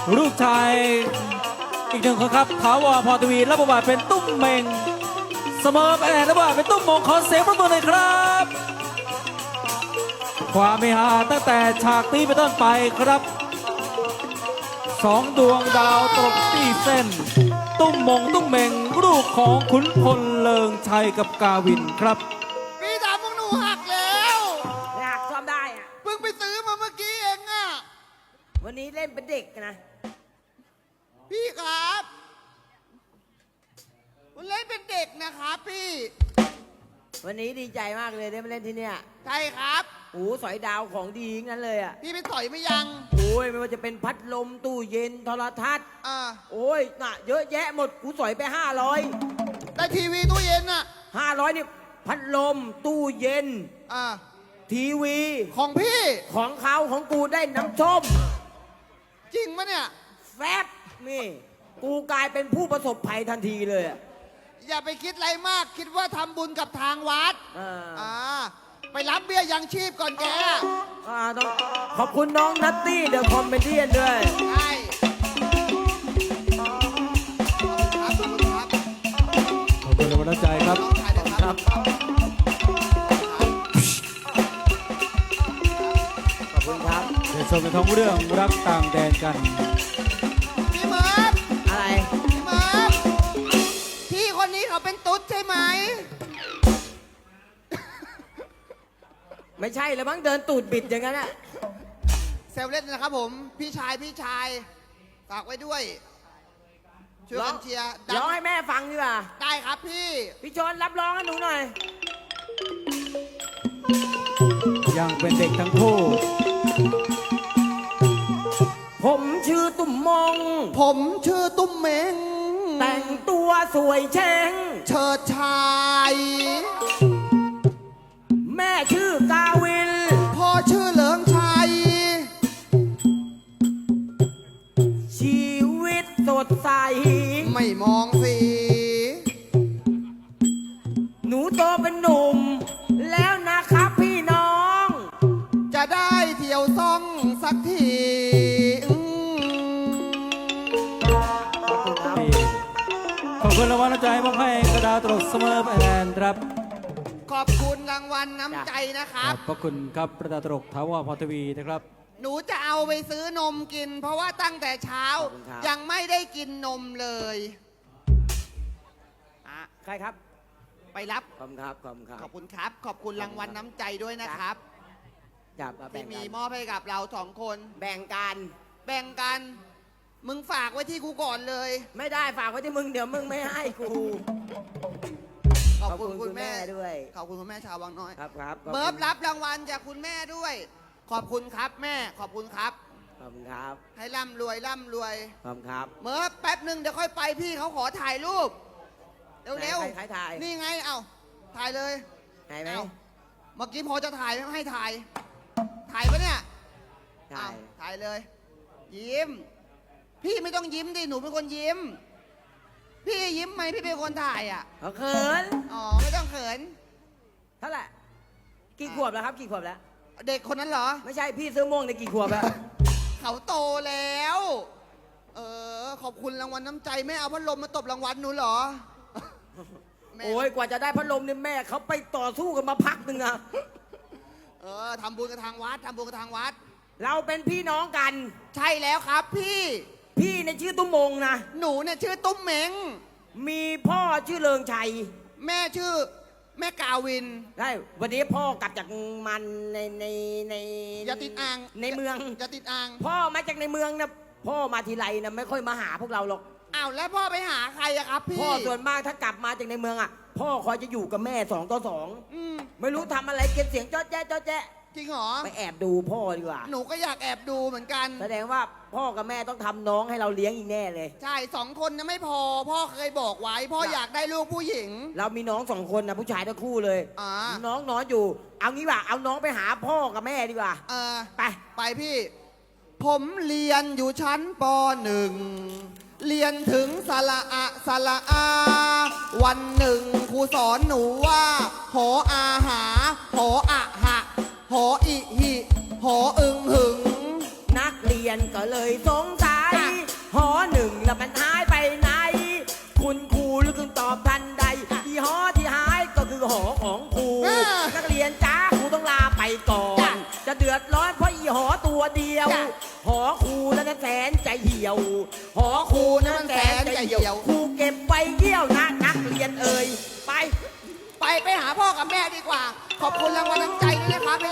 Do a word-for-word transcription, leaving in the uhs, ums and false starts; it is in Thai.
ลูกชายอีกหนึ่งคนครับถาวรพรทวีรับบทบาทเป็นตุ้มเมงเสมอไปแอนรับบทบาทเป็นตุ้มมงขอเสียงปรบมือหน่อยครับความเมฮาตั้งแต่ฉากนี้เป็นต้นไปครับสองดวงดาวตกที่เส้นตุ้มมงตุ้มเมงลูกของขุนพลเลิงชัยกับกาวินครับพี่ถามพวกหนูหักแล้วอยากซ่อมได้อะเพิ่งไปซื้อมาเมื่อกี้เองอะวันนี้เล่นเป็นเด็กนะพี่ครับมันเล่นเป็นเด็กนะครับพี่วันนี้ดีใจมากเลยได้มาเล่นที่เนี่ยใช่ครับโอ้สอยดาวของดีทั้งนั้นเลยอ่ะพี่ไปต่อยไม่ยังโอ้ยไม่ว่าจะเป็นพัดลมตู้เย็นโทรทัศน์อ่าโอ้ยน่ะเยอะแยะหมดกูสอยไปห้าร้อยได้ทีวีตู้เย็นอะห้าร้อยนี่พัดลมตู้เย็นอ่าทีวีของพี่ของเขาของกูได้น้ำส้มจริงปะเนี่ยแฟบนี่กูกลายเป็นผู้ประสบภัยทันทีเลยอะอย่าไปคิดอะไรมากคิดว่าทำบุญกับทางวัดอ่าอ่าไปรับเบี้ยยังชีพก่อนแกอ่าต้องขอบคุณน้องนัตตี้เดอะคอมเมดี้ด้วยใช่ครับขอบคุณครับขอบคุณกำลังใจครับน้องชายนะครับขอบคุณครับเดี๋ยวชมในท้องเรื่องรักต่างแดนกันพี่เมิร์ฟอะไรพี่เมิร์ฟพี่คนนี้เขาเป็นตุ๊ดใช่ไหมไม่ใช่แล้วมั้งเดินตูดบิดอย่างนั้นอะเซลเล่นนะครับผม พี่ชายพี่ชายฝากไว้ด้วย ช่วยกันเชียร์ดังร้องให้แม่ฟังดีกว่าได้ครับพี่พี่ชนรับร้องให้หนูหน่อยยังเป็นเด็กทั้งคู่ผมชื่อตุ่มมงผมชื่อตุ้มเมงแต่งตัวสวยเช้งเชิดชายแม่ชื่อกาวินพ่อชื่อเหลิงชัยชีวิตสดใสไม่มองสีหนูโตเป็นหนุ่ม แล้วนะครับพี่น้องจะได้เที่ยวซ่องสักทีอืมขอบคุณครับขอบคุณรางวัลน้ำใจมอบให้กระดาษตลกเสมอไปแอนครับขอบคุณรางวัลน้ำใจนะคขรับอบพระคุณครับกระดาษตลกถาวรพรทวีนะครับหนูจะเอาไปซื้อนมกิน เพราะว่าตั้งแต่เช้าขอบคุณครับยังไม่ได้กินนมเลยอ่ะใครครับไปรับขอบคุณครับ ขอบคุณครับขอบคุณครับ ขอบคุณรางวัลน้ำใจด้วยนะครับจับมาแบ่ที่งมีกันมอบให้กับเราสองคนแบ่งกันแบ่งกัน มึงฝากไว้ที่กูก่อนเลยไม่ได้ฝากไว้ที่มึงเดี๋ยวมึงไม่ให้กูขอบคุณคุณแม่ด้วยขอบคุณคุณแม่ชาววังน้อยครับครับขอบคุณเบิร์ฟรับรางวัลจากคุณแม่ด้วย ขอบคุณครับแม่ ขอบคุณครับขอบคุณครับให้ร่ำรวยร่ำรวยขอบคุณครับเมิร์ฟแป๊บหนึ่งเดี๋ยวค่อยไปพี่เขาขอถ่ายรูป เร็วไหนใครถ่ายนี่ไง เอ้า ถ่ายเลยไหนไหมเอ้าเมื่อกี้พอจะถ่ายไม่ให้ถ่าย ถ่ายปะเนี่ยถ่ายเอ้ถ่ายเลย ยิ้ม พี่ไม่ต้องยิ้มดิ หนูเป็นคนยิ้ม พี่ยิ้มไหมพี่เป็นคนถ่ายอ่ะเขาเขินอ๋อ ไม่ต้องเขินเท่าไหร่กี่ขวบแล้วครับกี่ขวบแล้วเด็กคนนั้นเหรอไม่ใช่พี่ซื้อม่วงในกี่ขวบแล้วเขาโตแล้ว เออ ขอบคุณรางวัลน้ำใจไม่เอาพัดลมมาตบรางวัลหนูเหรอแม่โอ้ยกว่าจะได้พัดลมเนี่ยแม่เขาไปต่อสู้กันมาพักหนึ่งอะเออทำบุญกับทางวัดทำบุญกับทางวัดเราเป็นพี่น้องกันใช่แล้วครับพี่พี่ในชื่อตุ้มมงนะหนูเนี่ยชื่อตุ้มเหม็งมีพ่อชื่อเลิงชัยแม่ชื่อ แม่กาวินได้วันนี้พ่อกลับจากมันในในในอย่าติดอ่างในเมืองอย่าติดอ่างพ่อมาจากในเมืองนะพ่อมาทีไรนะไม่ค่อยมาหาพวกเราหรอกอ้าวแล้วพ่อไปหาใครอะครับพี่พ่อส่วนมากถ้ากลับมาจากในเมืองอ่ะ พ่อคอยจะอยู่กับแม่สองต่อสองอืมไม่รู้ทำอะไรเก็บเสียงจ๊อดแจ๊ะจ๊อดแจ๊ะจริงเหรอไปแอบดูพ่อดีกว่าหนูก็อยากแอบดูเหมือนกันแสดงว่าพ่อกับแม่ต้องทำน้องให้เราเลี้ยงอีกแน่เลยใช่สองคนนะไม่พอ พ่อเคยบอกไว้ พ่ออยากได้ลูกผู้หญิงเรามีน้องสองคนนะผู้ชายทั้งคู่เลยอ่าน้องนอนอยู่ เอางี้ว่าเอาน้องไปหาพ่อกับแม่ดีกว่าเออไปไปพี่ ผมเรียนอยู่ชั้นปหนึ่ง เรียนถึงสระอะสระอา วันหนึ่งครูสอนหนูว่าหออาหาหออะหะหออิหิหออึงหึงนักเรียนก็เลยสงสัยหอหนึ่งแล้วมันหายไปไหน คุณครูหรือคุณตอบทันใดอีหอที่หายก็คือหอของครูอ่านักเรียนจ้าครูต้องลาไปก่อนจ้ะจะเดือดร้อนเพราะอีหอตัวเดียวจ้ะหอครูนั้นแสนใจเหี่ยว หอครูนั้นแสนใจเหี่ยวครูเก็บไปเยี่ยวนะนักเรียนเอ่ยไปไปไปหาพ่อกับแม่ดีกว่า ขอบคุณรางวัลน้ำใจด้วยนะครับ